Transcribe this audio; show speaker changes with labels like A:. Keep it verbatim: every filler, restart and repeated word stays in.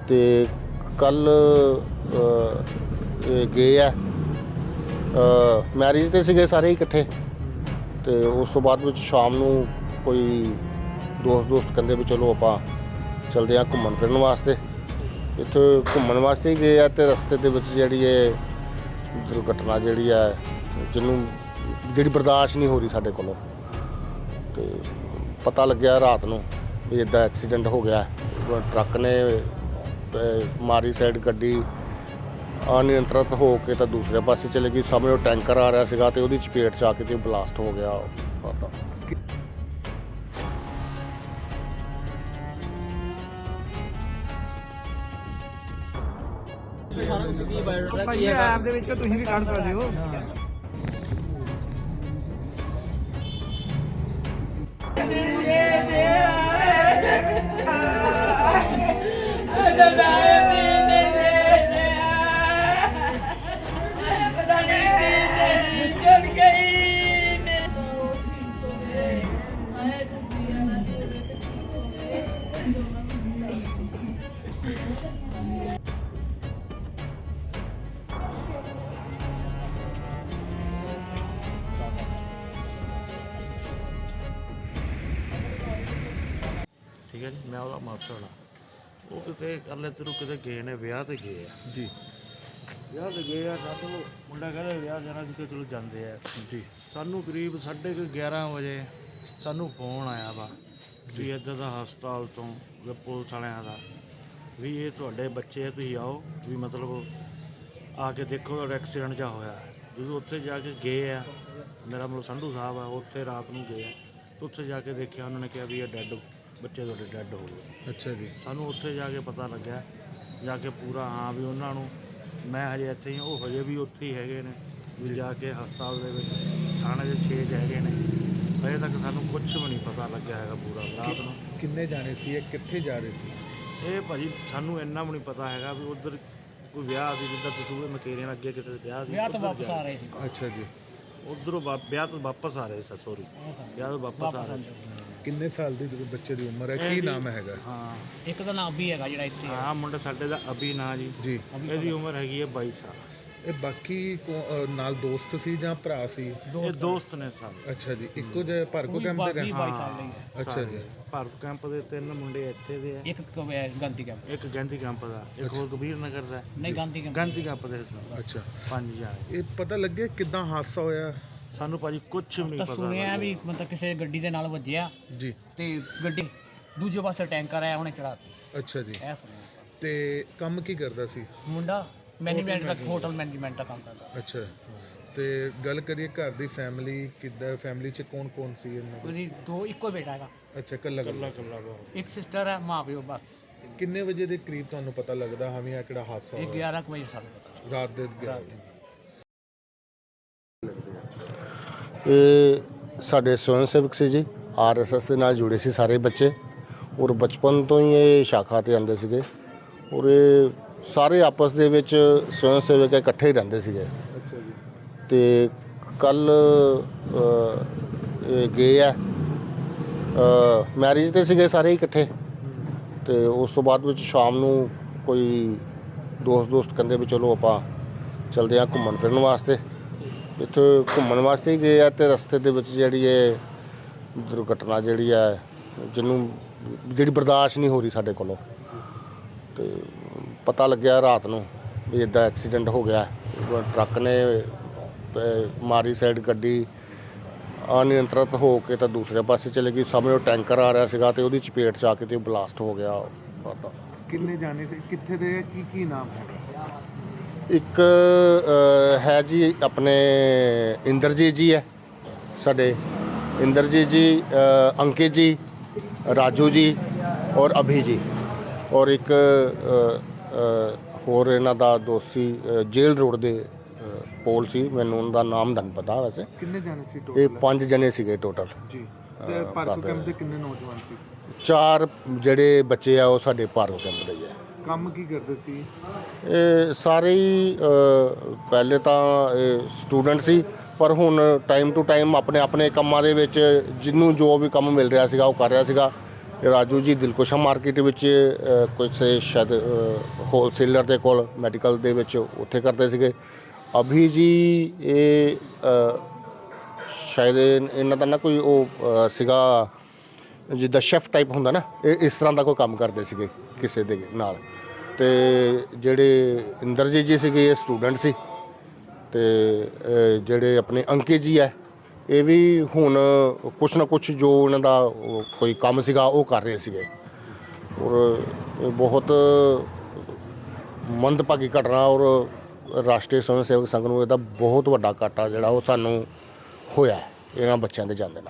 A: ਤੇ ਕੱਲ ਗਏ ਆ ਮੈਰਿਜ ਤੇ ਸੀਗੇ ਸਾਰੇ ਇਕੱਠੇ। ਤੇ ਉਸ ਤੋਂ ਬਾਅਦ ਵਿੱਚ ਸ਼ਾਮ ਨੂੰ ਕੋਈ ਦੋਸਤ ਦੋਸਤ ਕਹਿੰਦੇ ਵੀ ਚਲੋ ਆਪਾਂ ਚਲਦੇ ਹਾਂ ਘੁੰਮਣ ਫਿਰਨ ਵਾਸਤੇ। ਇੱਥੇ ਘੁੰਮਣ ਵਾਸਤੇ ਹੀ ਗਏ ਆ ਤੇ ਰਸਤੇ ਦੇ ਵਿੱਚ ਜਿਹੜੀ ਇਹ ਦੁਰਘਟਨਾ ਜਿਹੜੀ ਹੈ ਜਿਹਨੂੰ ਜਿਹੜੀ ਬਰਦਾਸ਼ਤ ਨਹੀਂ ਹੋ ਰਹੀ ਸਾਡੇ ਕੋਲੋਂ। ਤੇ ਪਤਾ ਲੱਗਿਆ ਰਾਤ ਨੂੰ ਵੀ ਇੱਦਾਂ ਐਕਸੀਡੈਂਟ ਹੋ ਗਿਆ। ਟਰੱਕ ਨੇ ਮਾਰੀ ਸਾਈਡ ਗੱਡੀ ਅਨਿਯੰਤਰਿਤ ਹੋ ਕੇ ਤਾਂ ਦੂਸਰੇ ਪਾਸੇ ਚਲੇ ਗਈ। ਸਾਹਮਣੇ ਉਹ ਟੈਂਕਰ ਆ ਰਿਹਾ ਸੀਗਾ ਤੇ ਉਹਦੀ ਚਪੇਟ 'ਚ ਆ ਕੇ ਤੇ ਬਲਾਸਟ ਹੋ ਗਿਆ।
B: ਭਾਈ ਐਪ ਦੇ ਵਿੱਚ ਤੁਸੀਂ ਵੀ ਕੱਢ ਸਕਦੇ ਹੋ।
C: ठीक है जी, मैं ਉਹਦਾ ਮਾਸੜ ਹਾਂ। ਉਹ ਕਿਤੇ ਕਰਲੇ ਤੇਰੂ ਕਿਤੇ ਗਏ ਨੇ ਵਿਆਹ ਤੇ ਗਏ ਆ
B: ਜੀ।
C: ਵਿਆਹ ਤੇ ਗਏ ਆ ਸਾਡੂ ਮੁੰਡਾ ਕਹਿੰਦਾ ਵਿਆਹ ਜਾਣਾ ਸੀ ਕਿ ਚਲੋ ਜਾਂਦੇ ਆ ਜੀ। ਸਾਨੂੰ ਕਰੀਬ ਸਾਢੇ ਕੁ ਗਿਆਰਾਂ ਵਜੇ ਸਾਨੂੰ ਫੋਨ ਆਇਆ ਵਾ ਵੀ ਇੱਦਾਂ ਦਾ ਹਸਪਤਾਲ ਤੋਂ ਪੁਲਿਸ ਵਾਲਿਆਂ ਦਾ ਵੀ ਇਹ ਤੁਹਾਡੇ ਬੱਚੇ ਆ, ਤੁਸੀਂ ਆਓ ਵੀ ਮਤਲਬ ਆ ਕੇ ਦੇਖੋ ਤੁਹਾਡਾ ਐਕਸੀਡੈਂਟ ਜਿਹਾ ਹੋਇਆ। ਜਦੋਂ ਉੱਥੇ ਜਾ ਕੇ ਗਏ ਆ, ਮੇਰਾ ਮਤਲਬ ਸੰਧੂ ਸਾਹਿਬ ਆ, ਉੱਥੇ ਰਾਤ ਨੂੰ ਗਏ ਆ ਤੇ ਉੱਥੇ ਜਾ ਕੇ ਦੇਖਿਆ ਉਹਨਾਂ ਨੇ ਕਿਹਾ ਵੀ ਇਹ ਡੈੱਡ ਬੱਚੇ ਤੁਹਾਡੇ ਡੈੱਡ ਹੋ ਗਏ।
B: ਅੱਛਾ ਜੀ।
C: ਸਾਨੂੰ ਉੱਥੇ ਜਾ ਕੇ ਪਤਾ ਲੱਗਿਆ ਜਾ ਕੇ ਪੂਰਾ ਹਾਂ ਵੀ ਉਹਨਾਂ ਨੂੰ ਮੈਂ ਹਜੇ ਇੱਥੇ ਹੀ, ਉਹ ਹਜੇ ਵੀ ਉੱਥੇ ਹੀ ਹੈਗੇ ਨੇ ਵੀ ਜਾ ਕੇ ਹਸਪਤਾਲ ਦੇ ਵਿੱਚ ਥਾਣੇ ਦੇ ਛੇ ਹੈਗੇ ਨੇ। ਹਜੇ ਤੱਕ ਸਾਨੂੰ ਕੁਝ ਵੀ ਨਹੀਂ ਪਤਾ ਲੱਗਿਆ ਹੈਗਾ ਪੂਰਾ ਰਾਤ ਨੂੰ।
B: ਕਿੰਨੇ ਜਾਣੇ ਸੀ ਇਹ, ਕਿੱਥੇ ਜਾ ਰਹੇ ਸੀ?
C: ਇਹ ਭਾਜੀ ਸਾਨੂੰ ਇੰਨਾ ਵੀ ਨਹੀਂ ਪਤਾ ਹੈਗਾ ਵੀ ਉੱਧਰ ਕੋਈ ਵਿਆਹ ਸੀ, ਜਿੱਦਾਂ ਦਸੂਹੇ ਮਕੇਰੀਆਂ ਅੱਗੇ ਕਿਤੇ ਵਿਆਹ ਸੀ, ਵਿਆਹ ਤੋਂ ਵਾਪਸ ਆ ਰਹੇ ਸੀ।
B: ਅੱਛਾ ਜੀ।
C: ਉੱਧਰੋਂ ਵਿਆਹ ਤੋਂ ਵਾਪਸ ਆ ਰਹੇ ਸੀ। ਸੋਰੀ ਵਿਆਹ ਤੋਂ ਵਾਪਸ ਆ ਰਹੇ ਸੀ।
B: ਕਿੰਨੇ ਸਾਲ ਦੀ ਬੱਚੇ ਦੀ ਉਮਰ ਹੈ, ਕੀ ਨਾਮ ਹੈਗਾ?
C: ਹਾਂ,
D: ਇੱਕ ਦਾ ਨਾਮ ਅਭੀ ਹੈਗਾ ਜਿਹੜਾ ਇੱਥੇ
C: ਹਾਂ ਮੁੰਡਾ ਸਾਡੇ ਦਾ ਅਭੀ ਨਾਂ ਜੀ।
B: ਜੀ।
C: ਇਹਦੀ ਉਮਰ ਹੈਗੀ ਹੈ ਬਾਈ ਸਾਲ।
B: ਇਹ ਬਾਕੀ ਨਾਲ ਦੋਸਤ ਸੀ ਜਾਂ ਭਰਾ ਸੀ?
C: ਇਹ ਦੋਸਤ ਨੇ ਸਾਰੇ।
B: ਅੱਛਾ ਜੀ। ਇੱਕੋ ਜਿਹੇ ਭਰਕੋ ਕੈਂਪ ਦੇ ਰਹਿਣ?
D: ਬਾਈ ਸਾਲ ਲਈ ਹੈ।
B: ਅੱਛਾ ਜੀ।
C: ਭਾਰਤ ਕੈਂਪ ਦੇ ਤਿੰਨ ਮੁੰਡੇ ਇੱਥੇ ਦੇ ਆ,
D: ਇੱਕ ਗਾਂਧੀ ਕੈਂਪ,
C: ਇੱਕ ਗਾਂਧੀ ਕੈਂਪ ਦਾ, ਇੱਕ ਹੋਰ ਕਬੀਰ ਨਗਰ ਦਾ।
D: ਨਹੀਂ ਗਾਂਧੀ ਕੈਂਪ,
C: ਗਾਂਧੀ ਕੈਂਪ ਦੇ
B: ਅੱਛਾ।
C: ਪੰਜ ਜਾਣੇ।
B: ਇਹ ਪਤਾ ਲੱਗਿਆ ਕਿੱਦਾਂ ਹਾਦਸਾ ਹੋਇਆ?
C: ਸਾਨੂੰ ਭਾਜੀ ਕੁਝ ਵੀ ਨਹੀਂ
D: ਤਾਂ
C: ਪਤਾ
D: ਸੁਣਿਆ ਵੀ ਮਤਲਬ ਕਿਸੇ ਗੱਡੀ ਦੇ ਨਾਲ ਵੱਜਿਆ
B: ਜੀ
D: ਤੇ ਗੱਡੀ ਦੂਜੇ ਪਾਸੇ ਟੈਂਕਰ ਆਇਆ ਉਹਨੇ ਚੜਾਤੀ।
B: ਅੱਛਾ ਜੀ।
D: ਇਹ ਸੁਣਿਆ।
B: ਤੇ ਕੰਮ ਕੀ ਕਰਦਾ ਸੀ
D: ਮੁੰਡਾ? ਮੈਨੇਜਮੈਂਟ ਦਾ, ਹੋਟਲ ਮੈਨੇਜਮੈਂਟ ਦਾ ਕੰਮ ਕਰਦਾ।
B: ਅੱਛਾ। ਤੇ ਗੱਲ ਕਰੀਏ ਘਰ ਦੀ ਫੈਮਿਲੀ ਕਿੱਦਾਂ, ਫੈਮਿਲੀ 'ਚ ਕੌਣ ਕੌਣ ਸੀ ਇਹਨਾਂ ਦੇ?
D: ਉਹਦੀ ਦੋ ਇੱਕੋ ਬੇਟਾ ਹੈਗਾ।
B: ਅੱਛਾ, ਕੱਲਾ
C: ਕੱਲਾ
B: ਕੱਲਾ।
C: ਕੱਲਾ
D: ਇੱਕ ਸਿਸਟਰ ਹੈ, ਮਾਂ ਪਿਓ ਬਸ।
B: ਕਿੰਨੇ ਵਜੇ ਦੇ ਕਰੀਬ ਤੁਹਾਨੂੰ ਪਤਾ ਲੱਗਦਾ ਹਾਂ ਵੀ ਇਹ ਕਿਹੜਾ ਹਾਦਸਾ
D: ਇਹ
B: ਹੋਇਆ?
D: ਗਿਆਰਾਂ ਕੁ ਵਜੇ ਸਾਨੂੰ ਪਤਾ।
B: ਰਾਤ ਦੇ ਗਿਆਰਾਂ ਵਜੇ।
A: ਇਹ ਸਾਡੇ ਸਵੈਂ ਸੇਵਕ ਸੀ ਜੀ, ਆਰ ਐਸ ਐਸ ਦੇ ਨਾਲ ਜੁੜੇ ਸੀ ਸਾਰੇ ਬੱਚੇ। ਔਰ ਬਚਪਨ ਤੋਂ ਹੀ ਇਹ ਸ਼ਾਖਾ 'ਤੇ ਆਉਂਦੇ ਸੀਗੇ। ਔਰ ਇਹ ਸਾਰੇ ਆਪਸ ਦੇ ਵਿੱਚ ਸਵੈਂ ਸੇਵਕ ਇਕੱਠੇ ਹੀ ਰਹਿੰਦੇ ਸੀਗੇ।
B: ਅੱਛਾ ਜੀ।
A: ਤੇ ਕੱਲ ਗਏ ਆ ਮੈਰਿਜ ਤੇ ਸੀਗੇ ਸਾਰੇ ਇਕੱਠੇ। ਤੇ ਉਸ ਤੋਂ ਬਾਅਦ ਵਿੱਚ ਸ਼ਾਮ ਨੂੰ ਕੋਈ ਦੋਸਤ ਦੋਸਤ ਕਹਿੰਦੇ ਵੀ ਚਲੋ ਆਪਾਂ ਚਲਦੇ ਹਾਂ ਘੁੰਮਣ ਫਿਰਨ ਵਾਸਤੇ। ਇੱਥੇ ਘੁੰਮਣ ਵਾਸਤੇ ਹੀ ਗਏ ਆ ਤੇ ਰਸਤੇ ਦੇ ਵਿੱਚ ਜਿਹੜੀ ਇਹ ਦੁਰਘਟਨਾ ਜਿਹੜੀ ਹੈ ਜਿਹਨੂੰ ਜਿਹੜੀ ਬਰਦਾਸ਼ਤ ਨਹੀਂ ਹੋ ਰਹੀ ਸਾਡੇ ਕੋਲੋਂ। ਤੇ ਪਤਾ ਲੱਗਿਆ ਰਾਤ ਨੂੰ ਵੀ ਇੱਦਾਂ ਐਕਸੀਡੈਂਟ ਹੋ ਗਿਆ। ਟਰੱਕ ਨੇ ਮਾਰੀ ਸਾਈਡ ਗੱਡੀ ਅਨਿਯੰਤਰਿਤ ਹੋ ਕੇ ਤਾਂ ਦੂਸਰੇ ਪਾਸੇ ਚਲੇ ਗਈ। ਸਾਹਮਣੇ ਉਹ ਟੈਂਕਰ ਆ ਰਿਹਾ ਸੀਗਾ ਤੇ ਉਹਦੀ ਚਪੇਟ 'ਚ ਆ ਕੇ ਤੇ ਬਲਾਸਟ ਹੋ ਗਿਆ।
B: ਕਿੰਨੇ ਜਾਣੇ ਸੀ, ਕਿੱਥੇ ਦੇ, ਕੀ ਕੀ ਨਾਮ ਹੈ?
A: ਇੱਕ ਹੈ ਜੀ ਆਪਣੇ ਇੰਦਰਜੀਤ ਜੀ ਹੈ ਸਾਡੇ, ਇੰਦਰਜੀਤ ਜੀ, ਅੰਕਿਤ ਜੀ, ਰਾਜੂ ਜੀ ਔਰ ਅਭੀ ਜੀ। ਔਰ ਇੱਕ ਹੋਰ ਇਹਨਾਂ ਦਾ ਦੋਸਤੀ ਜੇਲ੍ਹ ਰੋਡ ਦੇ ਕੋਲ ਸੀ, ਮੈਨੂੰ ਉਹਨਾਂ ਦਾ ਨਾਮ ਨਹੀਂ ਪਤਾ ਵੈਸੇ।
B: ਕਿੰਨੇ ਜਾਣੇ ਸੀ
A: ਇਹ
B: ਟੋਟਲ?
A: ਪੰਜ ਜਣੇ ਸੀਗੇ ਟੋਟਲ
B: ਜੀ। ਤੇ ਭਾਰਤ ਕੈਂਪ ਦੇ ਕਿੰਨੇ ਨੌਜਵਾਨ ਸੀ?
A: ਚਾਰ ਜਿਹੜੇ ਬੱਚੇ ਆ ਉਹ ਸਾਡੇ ਭਾਰਤ ਕੈਂਪ ਦੇ ਹੀ ਆ।
B: ਕੰਮ ਕੀ ਕਰਦੇ ਸੀ
A: ਇਹ ਸਾਰੇ ਹੀ? ਪਹਿਲੇ ਤਾਂ ਇਹ ਸਟੂਡੈਂਟ ਸੀ, ਪਰ ਹੁਣ ਟਾਈਮ ਟੂ ਟਾਈਮ ਆਪਣੇ ਆਪਣੇ ਕੰਮਾਂ ਦੇ ਵਿੱਚ ਜਿਹਨੂੰ ਜੋ ਵੀ ਕੰਮ ਮਿਲ ਰਿਹਾ ਸੀਗਾ ਉਹ ਕਰ ਰਿਹਾ ਸੀਗਾ। ਇਹ ਰਾਜੂ ਜੀ ਦਿਲਕੁਸ਼ਾ ਮਾਰਕੀਟ ਵਿੱਚ ਅ, ਕਿਸੇ ਸ਼ਾਇਦ ਹੋਲਸੇਲਰ ਦੇ ਕੋਲ ਮੈਡੀਕਲ ਦੇ ਵਿੱਚ ਉੱਥੇ ਕਰਦੇ ਸੀਗੇ। ਅਭੀ ਜੀ ਇਹ ਅ, ਸ਼ਾਇਦ ਇਹ- ਇਹਨਾਂ ਦਾ ਨਾ ਕੋਈ ਉਹ ਅ, ਸੀਗਾ ਜਿੱਦਾਂ ਸ਼ੈਫ ਟਾਈਪ ਹੁੰਦਾ ਨਾ, ਇਹ ਇਸ ਤਰ੍ਹਾਂ ਦਾ ਕੋਈ ਕੰਮ ਕਰਦੇ ਸੀਗੇ ਕਿਸੇ ਦੇ ਨਾਲ। ਤੇ ਜਿਹੜੇ ਇੰਦਰਜੀਤ ਜੀ ਸੀਗੇ ਇਹ ਸਟੂਡੈਂਟ ਸੀ। ਤੇ ਅ, ਜਿਹੜੇ ਆਪਣੇ ਅੰਕਿਤ ਜੀ ਹੈ ਇਹ ਵੀ ਹੁਣ ਕੁਛ ਨਾ ਕੁਛ ਜੋ ਇਹਨਾਂ ਦਾ ਉਹ ਕੋਈ ਕੰਮ ਸੀਗਾ ਉਹ ਕਰ ਰਹੇ ਸੀਗੇ। ਔਰ ਇਹ ਬਹੁਤ ਮੰਦਭਾਗੀ ਘਟਨਾ ਔਰ ਰਾਸ਼ਟਰੀ ਸਵੈਂ ਸੇਵਕ ਸੰਘ ਨੂੰ ਇਹਦਾ ਬਹੁਤ ਵੱਡਾ ਘਾਟਾ ਜਿਹੜਾ ਉਹ ਸਾਨੂੰ ਹੋਇਆ ਇਹਨਾਂ ਬੱਚਿਆਂ ਦੇ ਜਾਂਦੇ ਨਾਲ।